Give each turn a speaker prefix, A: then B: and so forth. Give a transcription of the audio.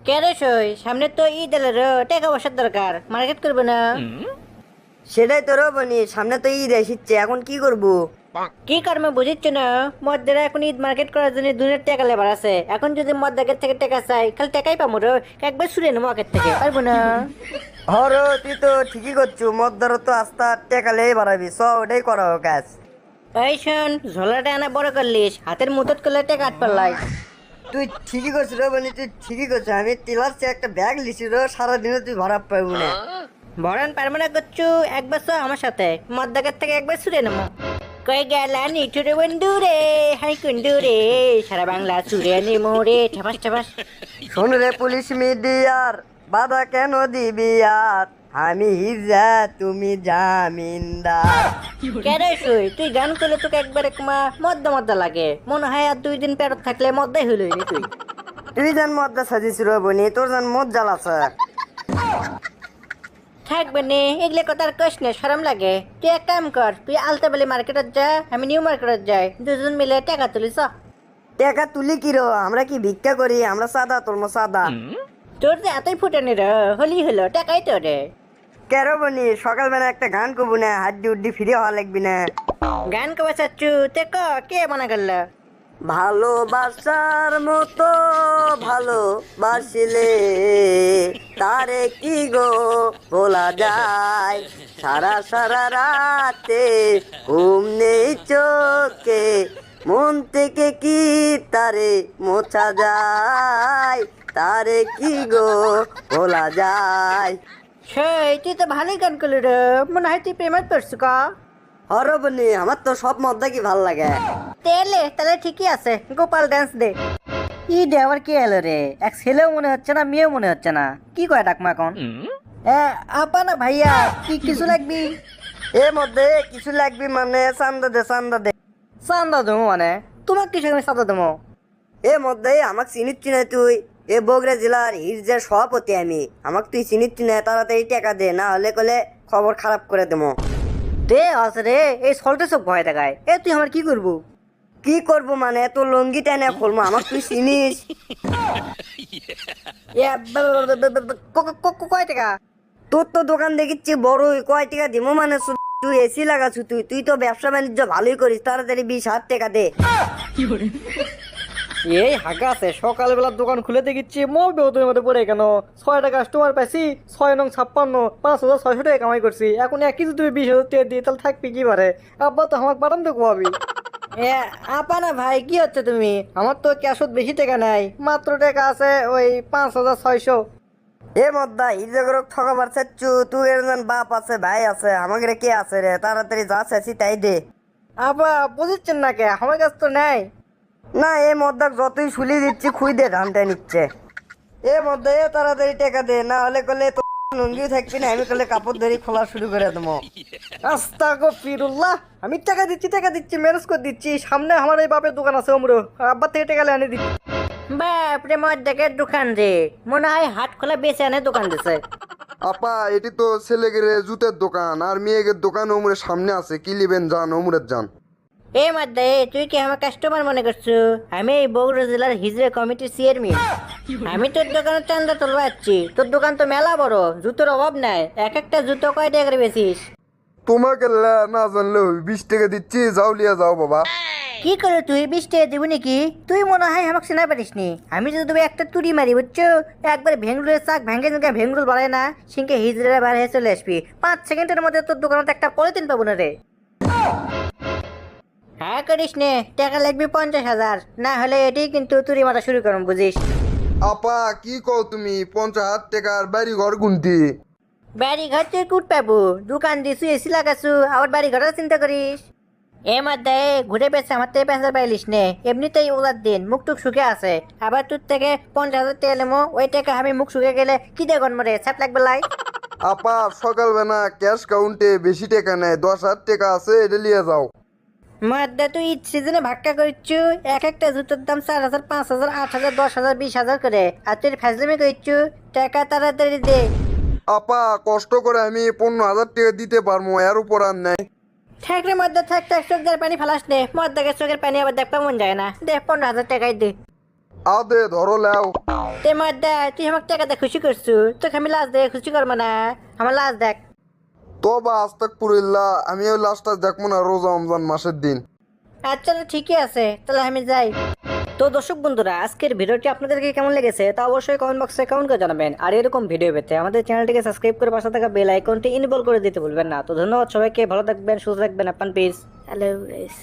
A: কে রে সই সামনে তো ঈদ এলো রে, টাকা পয়সার দরকার, মার্কেট করবে না?
B: সেটাই তো রবনি, সামনে তো ঈদ এসেছে, এখন কি করব?
A: কি কর্মে বুঝিচ্ছ না? মদ্দারা এখন ঈদ মার্কেট করার জন্য দুনিয়ার টাকা লেবার আছে। এখন যদি মদ্দাকের থেকে টাকা চাই, খালি টাকাই পাবো রে। একবার শুনে নেবো মার্কেট থেকে, পারবো না?
B: হর তুই তো ঠিকই করছু, মদ্দার তো আস্তা টেকালেই বাড়াবি, ওটাই করা হোক কাজ।
A: এই শোন, ঝোলাটা আনা বড় করলিস, হাতের মুঠোত করলে টাকা আট পারলাই।
B: তুই ঠিকই করছিস রবনি, তুই ঠিকই করছিস। আমি টিলার চেয়ে একটা ব্যাগ লিছি রে, সারাদিনে তুই ভরা পাবি না।
A: ভরান পারবো না করছু, একবার তো আমার সাথে মদ্দাকের থেকে একবার শুনে নেবো। কই গেলা নিঠুরে বন্ধু রে, হাই কুন্ডু রে, সারা বাংলা চুরে নেমো রে, ঠাপাস ঠাপাস।
B: শোন রে পুলিশ মিডিয়ার, বাধা কেন দিবি আর? আমি হিজা, তুমি জামিনদার।
A: কেরে শুই তুই গান করলে তোকে একবার একমা মদ্দা মদ্দা লাগে, মনে হয় আর 2 দিন পেরত থাকলে মদ্দাই হইলই নি তুই।
B: তুই জান মদ্দা সাজিস রবনি, তোর জান মদ জ্বালাছে।
A: থাকবে নে এগুলো কথা আর কইস না, শরম লাগে। তুই এক কাম কর, তুই আলতাবালি মার্কেটত যা, আমি নিউ মার্কেটত যাই, দুজন মিলে টাকা তুলিস।
B: টাকা তুলি কি রো? আমরা কি ভিক্ষা করি? আমরা সাদা, তোর সাদা।
A: তোর যে এতই ফুটানি রে, হলি হলো টাকাই তো রে।
B: কেরো বনি, সকালবেলা একটা গান করবো না? হাড্ডি উড্ডি ফিরে হওয়া লাগবি না?
A: গান কবে চাচ্ছু তে ক, কে মানা করলো?
B: ভালোবাসার মতো ভালোবাসিলে তারে কি গো বলা যায়? সারা সারা রাতে ঘুম নেই চোখে, মন থেকে কি তারে মোছা যায়? তারে কি গো বলা যায়?
A: সেই তুই তো ভালোই গান করলি রে, মনে হয় তুই প্রেমত পড়ছু কা।
B: হরবনি, আমার তো সব মধ্যে কি ভাল লাগে।
A: তাহলে ঠিকই আছে, গোপাল ডান্স দে। ই দে আবার কি এলো রে, এক ছেলেও মনে হচ্ছে না, মেয়েও মনে হচ্ছে না, কি কয় ডাকমা এখন? আপা না ভাইয়া, কি কিছু লাগবি?
B: এর মধ্যে কিছু লাগবে মানে? চান্দা দে, চান্দা দে।
A: চান্দা দেবো মানে? তোমার কিছু আমি চান্দা দেবো?
B: এর মধ্যে আমাকে চিনিচ্ছি না তুই? এ বগুড়া জেলার হিজড়ার সভাপতি আমি, আমাকে তুই চিনিচ্ছি না? তাড়াতাড়ি টাকা দে, না হলে কলে খবর খারাপ করে দেবো।
A: দে আছে রে, এই সল্টে সব ভয় দেখায়। তুই আমার কি করবো?
B: কি করবো মানে? তোর লঙ্গি টেনে খুলবো, আমাকে তুই চিনিস?
A: কয় টাকা?
B: তোর তো দোকান দেখিচ্ছি বড়ই, কয় টাকা দিব মানে? তুই এসি লাগাছু, তুই তো ব্যবসা বাণিজ্য ভালোই করিস, তাড়াতাড়ি 20,000 টাকা দে।
A: এই হাগা আছে, সকালবেলা দোকান খুলে দেখিচ্ছি মগ বেতনের মধ্যে পড়ে কেন? 6টা কাস্টমার পাইছি, 6 নং 56, 5,600 টাকা কামাই করছি। এখন একই যদি তুমি 20,000 টাকা দিই তাহলে থাকবি কি পারে? আব্বা তো আমাকে পাঠান তো কোয়াবি। আপা না ভাই, কি হচ্ছে তুমি? আমার তো ক্যাশত বেশি টাকা নাই, মাত্র টাকা আছে ওই 5,600।
B: এ মদ্দা হিজগরক ঠকাবার চাচ্ছু? তুই এর জন বাপ আছে, ভাই আছে, আমাকে কে আছে রে? তাড়াতাড়ি যা চাচ্ছি তাই দে।
A: আপা বুঝছেন না কে, আমার কাছে তো নাই।
B: না, এ মদ্দাক যতই শুলি দিচ্ছি খুই দে ধানটা নিচ্ছে। এ মদ্দা এ তাড়াতাড়ি টাকা দে, না হলে কলে তো লুঙ্গিও থাকবি না, আমি কলে কাপড় ধরি খোলা শুরু করে দেবো।
A: আস্তাগফিরুল্লাহ, আমি টাকা দিচ্ছি ম্যানেজ করে দিচ্ছি। সামনে আমার এই বাপের দোকান আছে, অমরো আব্বার থেকে টাকা এনে দিচ্ছি। বাপরে মদ্দাকের দোকান রে, মনে হয় হাট খোলা বেচে আনে দোকান দিছে।
C: আপা, এটি তো ছেলেগের জুতের দোকান আর মেয়েগের দোকান ওমরের সামনে আছে, কি লিবেন যান, ওমরের যান।
A: এ মদ্দা, তুই কি আমার কাস্টমার মনে করছো? আমি এই বগুড়া জেলার হিজড়া কমিটির চেয়ারম্যান। আমি তোর দোকানে চান্দা তুলবা যাচ্ছি। তোর দোকান তো মেলা বড়, জুতোর অভাব নাই। এক একটা জুতো কয় টাকা করে বেচিস?
C: তোমাকে না জানলে 20 টাকা দিচ্ছি, যাও লিয়া যাও বাবা।
A: কি করে তুই 20 টাকা দিবি নাকি? তুই মনে হয় আমাকে চেনা পারিস নি। আমি যদি তুমি একটা তুড়ি মারি বুঝছো, একবার ভেঙ্গুলের চাক ভেঙে ভেঙ্গুল বাড়ায় না, সিংকে হিজড়া বার হয়ে চলে আসবি। 5 সেকেন্ডের মধ্যে তোর দোকানে একটা পলিথিন পাবো না রে। হ্যাঁ করিস নে, টাকা লাগবে 50,000, না হলে এটাই কিন্তু তুড়ি মারা শুরু করুন, বুঝিস?
C: আপা, কি কও তুমি? 50,000 টাকার বাড়ি ঘর গুনতি?
A: বাড়ি ঘর তুই কুট পাবো? দোকান দিছু, এসি লাগাছু, আবার বাড়ি ঘরের চিন্তা করিস? এ মধ্যে ঘুরে পেছে আমার থেকে 5,000 পাইলিস নে, এমনিতেই ওলার দিন, মুখ টুক শুকে আছে। আবার তোর থেকে 50,000 টাকা নেবো, ওই টাকা আমি মুখ শুকে গেলে কি দেখুন মরে ছাপ লাগবে লাই।
C: আপা, সকালবেলা ক্যাশ কাউন্টে বেশি টাকা নেয়, 10,000 টাকা আছে, এটা লিয়ে যাও।
A: মধ্যে তুই ঈদ সিজনে ভাক্কা করছু, এক একটা জুতোর দাম 4,000, 5,000, 8,000, 10,000, 20,000 করে, আর তুই ফাজলামি করছু। টাকা তাড়াতাড়ি দে।
C: আপা, কষ্ট করে আমি 15,000 টাকা দিতে পারবো, এর উপর আর নেই।
A: ঠেকরে মধ্যে থাক, চোখের পানি ফালাস নে, মদ্দাকে চোখের পানি আবার দেখতে মন যায় না। দে 15,000 টাকাই দে।
C: আদে ধরো লেও।
A: তে মদ্দা তুই আমাকে টাকা দিয়ে খুশি করছু, তোকে আমি লাশ দিয়ে খুশি করবো না, আমার লাশ দেখ।
C: তো বা আস্তাগফিরুল্লাহ, আমি ওই লাশটা দেখবো না রোজা রমজান মাসের দিন।
A: আচ্ছা ঠিকই আছে, তাহলে আমি যাই। তো দর্শক বন্ধুরা, আজকের ভিডিওটি আপনাদেরকে কেমন লেগেছে তা অবশ্যই কমেন্ট বক্সে কমেন্ট করে জানাবেন। আর এরকম ভিডিও পেতে আমাদের চ্যানেলটিকে সাবস্ক্রাইব করে পাশে থাকা বেল আইকনটি ইনেবল করে দিতে ভুলবেন না। তো ধন্যবাদ সবাইকে, ভালো থাকবেন, সুস্থ থাকবেন, আপনার পিস। Hello guys.